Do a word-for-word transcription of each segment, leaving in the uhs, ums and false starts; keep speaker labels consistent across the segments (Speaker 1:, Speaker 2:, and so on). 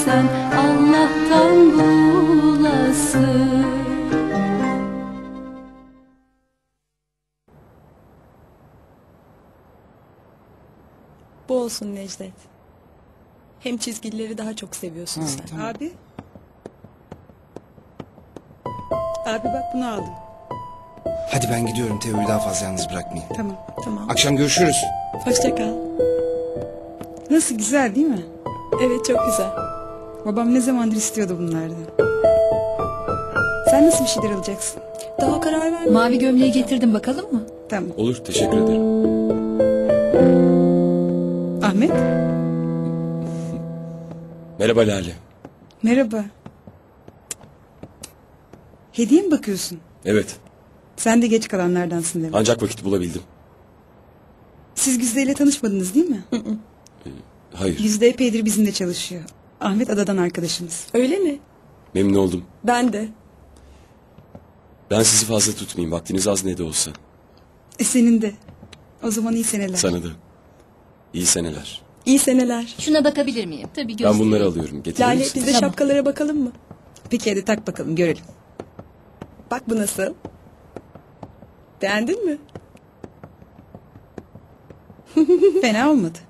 Speaker 1: sen Allah'tan bulasın.
Speaker 2: Bu olsun Necdet. Hem çizgileri daha çok seviyorsun
Speaker 3: Ha,
Speaker 2: sen.
Speaker 3: tamam.
Speaker 4: Abi. Abi bak bunu aldım.
Speaker 3: Hadi ben gidiyorum, Teo'yu daha fazla yalnız bırakmayayım.
Speaker 4: Tamam.
Speaker 2: Tamam.
Speaker 3: Akşam görüşürüz.
Speaker 2: Hoşça kal.
Speaker 4: Nasıl, güzel değil mi?
Speaker 2: Evet, çok güzel.
Speaker 4: Babam ne zamandır istiyordu bunlardan. Sen nasıl bir şeyler alacaksın?
Speaker 2: Daha karar vermedim.
Speaker 1: Mavi gömleği getirdim, bakalım mı?
Speaker 4: Tamam.
Speaker 5: Olur, teşekkür ederim.
Speaker 4: Ahmet.
Speaker 5: Merhaba Lale.
Speaker 4: Merhaba. Hediye mi bakıyorsun?
Speaker 5: Evet,
Speaker 4: Sen de geç kalanlardansın demek.
Speaker 5: ancak vakit bulabildim.
Speaker 4: Siz Güzde ile tanışmadınız değil mi?
Speaker 5: Hayır,
Speaker 4: Güzde epeydir bizimle çalışıyor. Ahmet adadan arkadaşımız.
Speaker 2: Öyle mi?
Speaker 5: memnun oldum.
Speaker 2: Ben de.
Speaker 5: Ben sizi fazla tutmayayım, vaktiniz az ne de olsa.
Speaker 4: E senin de. O zaman iyi seneler.
Speaker 5: Sana da. İyi seneler.
Speaker 2: İyi seneler.
Speaker 1: Şuna bakabilir miyim? Tabii
Speaker 5: Ben
Speaker 1: göstereyim.
Speaker 5: bunları alıyorum, getirir
Speaker 2: Lale,
Speaker 5: misin?
Speaker 2: biz de
Speaker 1: Tamam.
Speaker 2: şapkalara bakalım mı?
Speaker 4: Peki hadi tak bakalım görelim.
Speaker 2: Bak bu nasıl? Beğendin mi?
Speaker 4: Fena olmadı.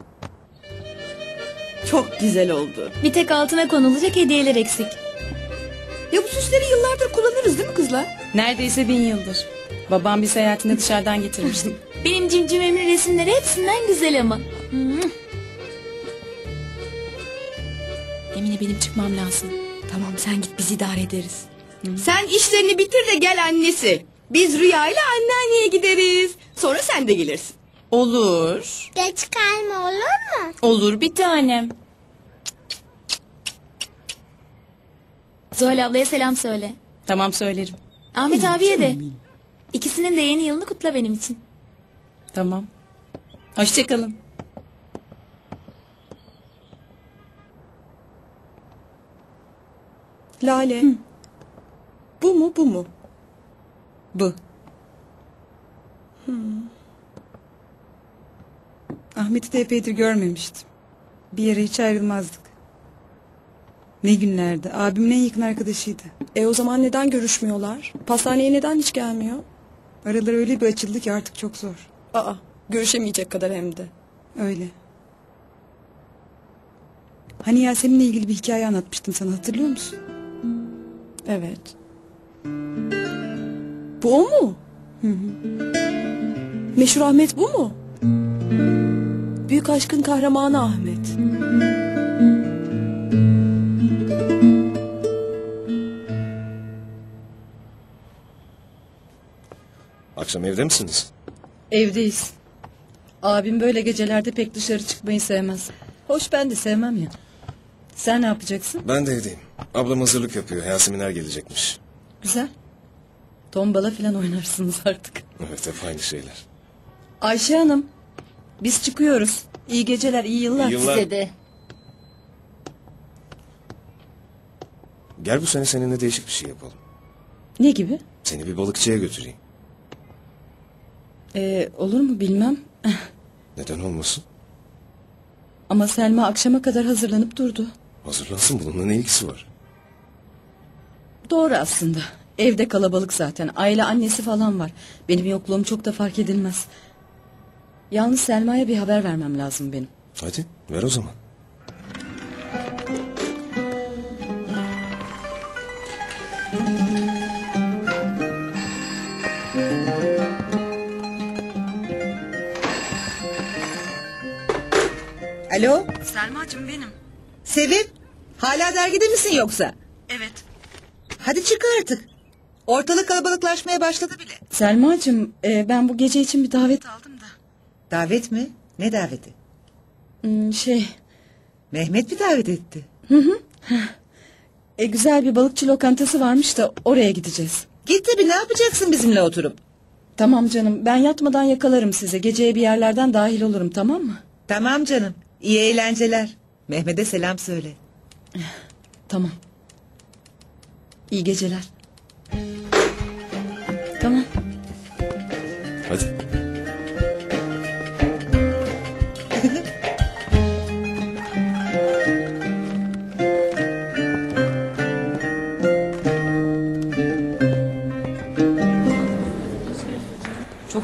Speaker 2: Çok güzel oldu.
Speaker 1: Bir tek altına konulacak hediyeler eksik.
Speaker 2: Ya bu süsleri yıllardır kullanırız değil mi kızlar?
Speaker 4: Neredeyse bin yıldır. Babam bir seyahatinde dışarıdan getirmişti.
Speaker 1: Benim cimcimemin resimleri hepsinden güzel ama. Hmm. Emine, benim çıkmam lazım.
Speaker 2: Tamam, sen git, biz idare ederiz. Sen işlerini bitir de gel annesi. Biz Rüya ile anneanneye gideriz. Sonra sen de gelirsin.
Speaker 6: Olur.
Speaker 7: Geç kalma olur mu?
Speaker 6: Olur bir tanem.
Speaker 1: Zuhal ablaya selam söyle.
Speaker 4: Tamam söylerim.
Speaker 1: Ahmet abiye de. İkisinin de yeni yılını kutla benim için.
Speaker 4: Tamam. Hoşçakalın.
Speaker 2: Lale. Bu mu bu mu?
Speaker 4: Bu. Ahmet'i de epeydir görmemiştim. Bir yere hiç ayrılmazdık. Ne günlerdi. Abimin en yakın arkadaşıydı.
Speaker 2: E o zaman neden görüşmüyorlar? Pastaneye neden hiç gelmiyor?
Speaker 4: Araları öyle bir açıldı ki artık çok zor.
Speaker 2: Aa, görüşemeyecek kadar hem de.
Speaker 4: Öyle. Hani Yasemin'le ilgili bir hikaye anlatmıştım sana, hatırlıyor musun?
Speaker 2: Evet. Bu o mu? Meşhur Ahmet bu mu? Büyük aşkın kahramanı Ahmet.
Speaker 3: Akşam evde misiniz?
Speaker 8: Evdeyiz. Abim böyle gecelerde pek dışarı çıkmayı sevmez. Hoş, ben de sevmem ya. Sen ne yapacaksın?
Speaker 3: Ben de evdeyim. Ablam hazırlık yapıyor. Yaseminler gelecekmiş.
Speaker 8: Güzel. Tombala falan oynarsınız artık.
Speaker 3: Evet, hep aynı şeyler.
Speaker 8: Ayşe Hanım, biz çıkıyoruz. İyi geceler, iyi yıllar.
Speaker 3: İyi yıllar.
Speaker 1: Size de.
Speaker 3: Gel bu sene seninle değişik bir şey yapalım.
Speaker 8: Ne gibi?
Speaker 3: Seni bir balıkçıya götüreyim.
Speaker 8: Ee, olur mu bilmem.
Speaker 3: Neden olmasın?
Speaker 8: Ama Selma akşama kadar hazırlanıp durdu.
Speaker 3: Hazırlansın, bununla ne ilgisi var?
Speaker 8: Doğru aslında. Evde kalabalık zaten. Aile annesi falan var. Benim yokluğum çok da fark edilmez. Yalnız Selma'ya bir haber vermem lazım benim.
Speaker 3: Hadi ver o zaman.
Speaker 6: Alo,
Speaker 8: Selma'cığım benim.
Speaker 6: Sevim. Hala dergide misin yoksa?
Speaker 8: Evet.
Speaker 6: Hadi çık artık. Ortalık kalabalıklaşmaya başladı bile.
Speaker 8: Selma'cığım e, ben bu gece için bir davet aldım da.
Speaker 6: Davet mi? Ne daveti?
Speaker 8: Hmm, şey
Speaker 6: Mehmet mi davet etti?
Speaker 8: e, güzel bir balıkçı lokantası varmış da oraya gideceğiz.
Speaker 6: Git tabii, ne yapacaksın bizimle oturup?
Speaker 8: Tamam canım, ben yatmadan yakalarım sizi. Geceye bir yerlerden dahil olurum, tamam mı?
Speaker 6: Tamam canım. İyi eğlenceler. Mehmet'e selam söyle.
Speaker 8: Tamam. İyi geceler. Tamam.
Speaker 3: Hadi.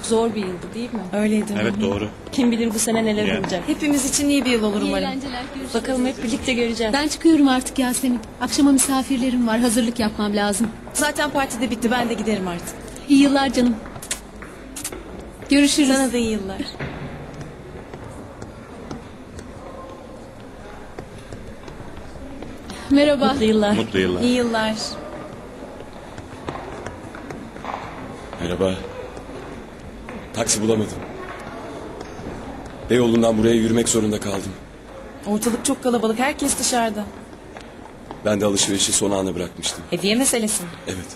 Speaker 9: Çok zor bir yıldı değil mi?
Speaker 2: Öyleydi.
Speaker 10: Evet doğru.
Speaker 9: Kim bilir bu sene neler
Speaker 10: Ya.
Speaker 9: olacak.
Speaker 2: Hepimiz için iyi bir yıl olur umarım.
Speaker 9: Bakalım hep birlikte göreceğiz.
Speaker 11: Ben çıkıyorum artık Yasemin. Akşama misafirlerim var. Hazırlık yapmam lazım.
Speaker 2: Zaten partide bitti, ben de giderim artık.
Speaker 11: İyi yıllar canım. Görüşürüz.
Speaker 2: Sana da iyi yıllar.
Speaker 11: Merhaba.
Speaker 9: Mutlu yıllar.
Speaker 10: Mutlu yıllar.
Speaker 2: İyi yıllar.
Speaker 5: Merhaba. Taksi bulamadım. Beyoğlu'ndan buraya yürümek zorunda kaldım.
Speaker 2: Ortalık çok kalabalık, herkes dışarıda.
Speaker 5: Ben de alışverişi son ana bırakmıştım.
Speaker 2: Hediye meselesi.
Speaker 5: Evet.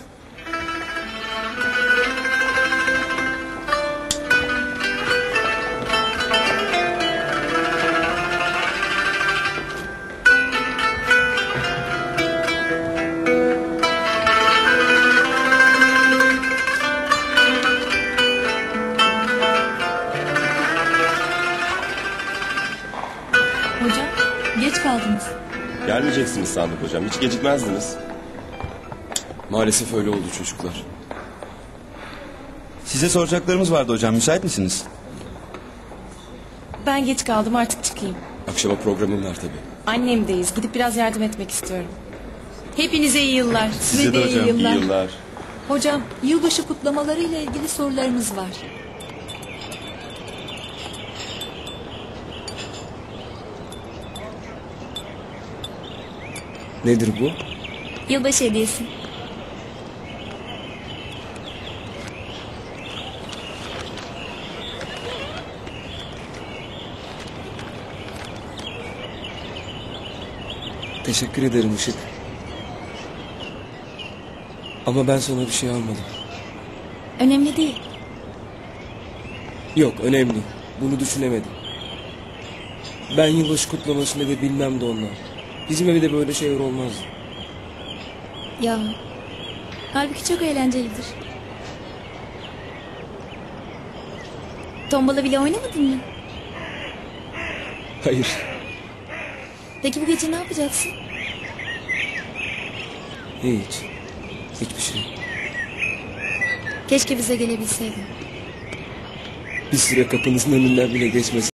Speaker 1: Hocam geç kaldınız.
Speaker 5: Gelmeyeceksiniz sandık hocam. Hiç gecikmezdiniz. Maalesef öyle oldu çocuklar.
Speaker 12: Size soracaklarımız vardı hocam. Müsait misiniz?
Speaker 2: Ben geç kaldım, artık çıkayım.
Speaker 5: Akşama programım var tabii.
Speaker 2: Annemdeyiz, gidip biraz yardım etmek istiyorum. Hepinize iyi yıllar.
Speaker 12: Size de hocam.
Speaker 5: İyi yıllar.
Speaker 1: Hocam yılbaşı kutlamaları ile ilgili sorularımız var.
Speaker 3: Nedir bu?
Speaker 1: Yılbaşı hediyesi.
Speaker 3: Teşekkür ederim Işık. Ama ben sana bir şey almadım.
Speaker 1: Önemli değil.
Speaker 3: Yok önemli. Bunu düşünemedim. Ben yılbaşı kutlamasını da bilmem de ondan. Bizim evde böyle şeyler olmaz.
Speaker 1: Ya halbuki çok eğlencelidir. Tombala bile oynamadın mı?
Speaker 3: Hayır.
Speaker 1: Peki bu gece ne yapacaksın?
Speaker 3: Hiç. Hiçbir şey.
Speaker 1: Keşke bize gelebilseydin.
Speaker 3: Bir süre kapınızın önünden bile geçmesin.